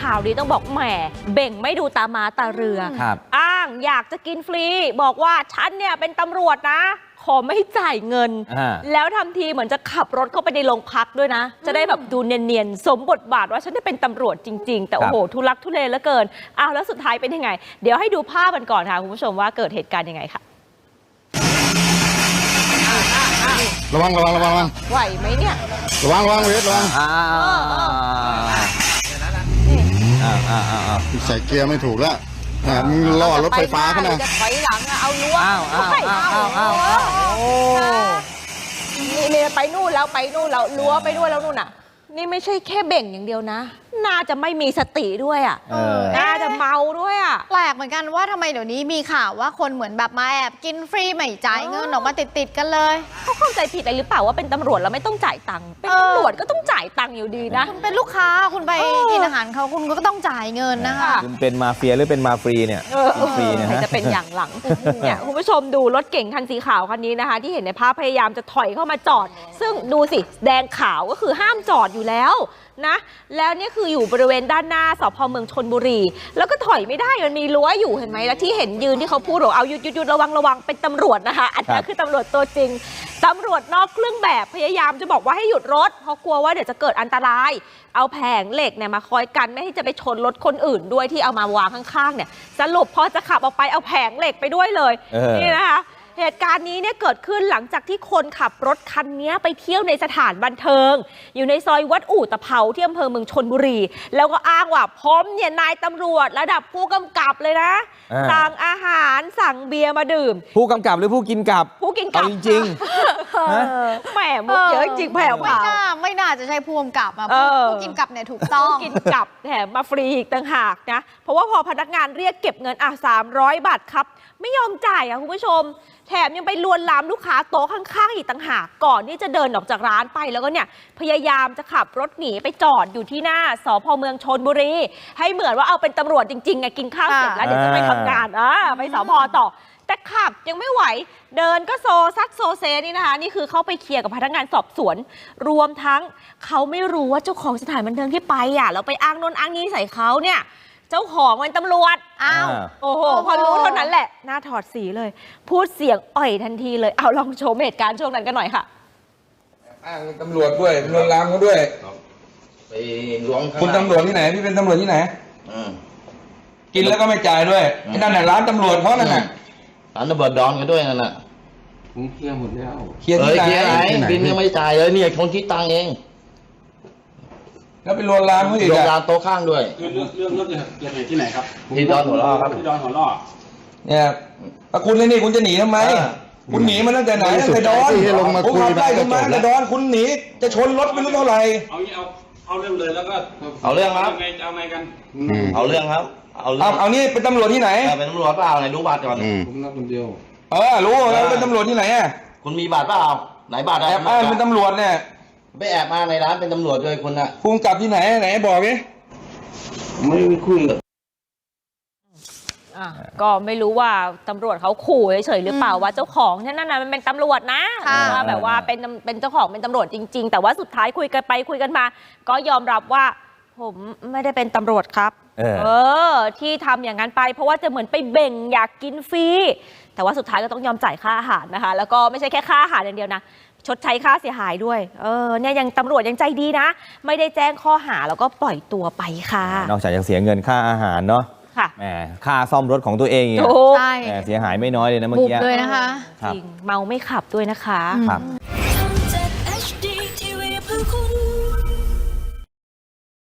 ข่าวนี้ต้องบอกแหมเบ่งไม่ดูตามาตาเรืออ้างอยากจะกินฟรีบอกว่าฉันเนี่ยเป็นตำรวจนะขอไม่จ่ายเงินแล้วทำทีเหมือนจะขับรถเข้าไปในโรงพักด้วยนะจะได้แบบดูเนียนๆสมบทบาทว่าฉันได้เป็นตำรวจจริงๆแต่โอ้โหทุลักทุเลเหลือเกินอ้าวแล้วสุดท้ายเป็นยังไงเดี๋ยวให้ดูภาพกันก่อนค่ะคุณผู้ชมว่าเกิดเหตุการณ์ยังไงค่ะระวังไหวไหมเนี่ยระวังเวทระวังใส่เกียร์ไม่ถูกแล้วมึงล่อรถไฟฟ้าขนาดจะถอยหลังเอาล้วงนี่ไปนู่นแล้วล้วไปด้วยแล้วนู่นน่ะนี่ไม่ใช่แค่เบ่งอย่างเดียวนะน่าจะไม่มีสติด้วยอ่ะน่าจะเมาด้วยอ่ะแปลกเหมือนกันว่าทำไมเดี๋ยวนี้มีข่าวว่าคนเหมือนแบบมาแอบกินฟรีไม่จ่ายเงินออกมาติดกันเลยเขาเข้าใจผิดอะไรหรือเปล่าว่าเป็นตำรวจแล้วไม่ต้องจ่ายตังค์เป็นตำรวจก็ต้องจ่ายตังค์อยู่ดีนะคุณเป็นลูกค้าคุณไปกินอาหารเขาคุณก็ต้องจ่ายเงินนะคะคุณเป็นมาเฟียหรือเป็นมาฟรีเนี่ยฟรีนะจะเป็นอย่างหลังเนี่ยคุณผู้ชมดูรถเก๋งคันสีขาวคันนี้นะคะที่เห็นในภาพพยายามจะถอยเข้ามาจอดซึ่งดูสิแดงขาวก็คือห้ามจอดอยู่แล้วนะแล้วนี่คืออยู่บริเวณด้านหน้าสพเมืองชลบุรีแล้วก็ถอยไม่ได้มันมีรั้วอยู่เห็นไหมแล้วที่เห็นยืนที่เขาพูดบอกเอาหยุดระวังเป็นตำรวจนะคะอันนี้คือตำรวจตัวจริงตำรวจนอกเครื่องแบบพยายามจะบอกว่าให้หยุดรถเพราะกลัวว่าเดี๋ยวจะเกิดอันตรายเอาแผงเหล็กเนี่ยมาคอยกันไม่ให้จะไปชนรถคนอื่นด้วยที่เอามาวางข้างๆเนี่ยสรุปพอจะขับออกไปเอาแผงเหล็กไปด้วยเลยนี่นะคะเหตุการณ์นี้เนี่ยเกิดขึ้นหลังจากที่คนขับรถคันนี้ไปเที่ยวในสถานบันเทิงอยู่ในซอยวัดอู่ตะเภาที่อำเภอเมืองชลบุรีแล้วก็อ้างว่าผมเนี่ยนายตำรวจระดับผู้กำกับเลยนะสั่งอาหารสั่งเบียร์มาดื่มผู้กำกับหรือผู้กินกับผู้กินกับจริงแหมมุกเยอะจริงแผ่วไม่น่าจะใช่ผู้กำกับผู้กินกับเนี่ยถูกต้องผู้กินกับแถมมาฟรีอีกต่างหากนะเพราะว่าพอพนักงานเรียกเก็บเงิน300 บาทครับไม่ยอมจ่ายคุณผู้ชมแถมยังไปลวนลามลูกค้าโต๊ะข้างๆอีกต่างหากก่อนที่จะเดินออกจากร้านไปแล้วก็เนี่ยพยายามจะขับรถหนีไปจอดอยู่ที่หน้าสพเมืองชลบุรีให้เหมือนว่าเอาเป็นตำรวจจริงๆไงกินข้าวเสร็จแล้วเดี๋ยวจะไปทำงานไปสพต่อแต่ขับยังไม่ไหวเดินก็โซซัดโซเซนี่นะคะนี่คือเขาไปเคลียร์กับพนักงานสอบสวนรวมทั้งเขาไม่รู้ว่าเจ้าของสถานบันเทิงที่ไปแล้วไปอ้างโน่นอ้างนี้ใส่เขาเนี่ยเจ้าของเป็นตำรวจโอ้โหพอรู้เท่านั้นแหละหน้าถอดสีเลยพูดเสียงอ่อยทันทีเลยเอาลองชมเหตุการณ์ช่วงนั้นกันหน่อยค่ะอ้างตำรวจด้วยลวนลามเขาด้วยไปล้วงคุณตำรวจที่ไหนพี่เป็นตำรวจที่ไหนกินแล้วก็ไม่จ่ายด้วยไอ้นั่นน่ะร้านตำรวจเขานั่นน่ะร้านตำรวจดอนกันด้วยนั่นน่ะผมเคลียร์หมดแล้วเคลียร์ที่ไหนบินยังไม่จ่ายเลยเนี่ยคนคิดตังเองแล้วไปลวนลามเขาอีกลวนลามโต๊ะข้างด้วยเรื่องเกิดเหตุที่ไหนครับที่ดอนหัวล่อครับที่ดอนหัวล่อเนี่ยคุณเลยนี่คุณจะหนีทำไมคุณหนีมาตั้งแต่ไหนตั้งแต่ดอนผมขับไล่คุณมาแต่ดอนคุณหนีจะชนรถไม่รู้เท่าไหร่เอาเรื่องเลยแล้วก็เอาเรื่องครับเอาไงกันเอาเรื่องครับเอานี่เป็นตำรวจที่ไหนเป็นตำรวจเปล่าไหนดูบัตรก่อนผมนับคนเดียวรู้แล้วเป็นตำรวจที่ไหนคุณมีบัตรเปล่าไหนบัตรแอบอ้างเป็นตำรวจเนี่ยไปแอบมาในร้านเป็นตำรวจด้วยคุณนะคุณกลับที่ไหนบอกดิไม่คุยก็ไม่รู้ว่าตำรวจเขาขู่เฉยๆหรือเปล่าว่าเจ้าของนั่นน่ะมันเป็นตำรวจนะว่าแบบว่าเป็นเจ้าของเป็นตำรวจจริงๆแต่ว่าสุดท้ายคุยกันไปคุยกันมาก็ยอมรับว่าผมไม่ได้เป็นตำรวจครับที่ทำอย่างนั้นไปเพราะว่าจะเหมือนไปเบ่งอยากกินฟรีแต่ว่าสุดท้ายก็ต้องยอมจ่ายค่าอาหารนะคะแล้วก็ไม่ใช่แค่ค่าอาหารอย่างเดียวนะชดใช้ค่าเสียหายด้วยเนี่ยยังตำรวจยังใจดีนะไม่ได้แจ้งข้อหาแล้วก็ปล่อยตัวไปค่ะนอกจากจะเสียเงินค่าอาหารเนาะแหมค่าซ่อมรถของตัวเองใช่เสียหายไม่น้อยเลยนะเมื่อกี้เลยนะคะจริงเมาไม่ขับด้วยนะคะครับ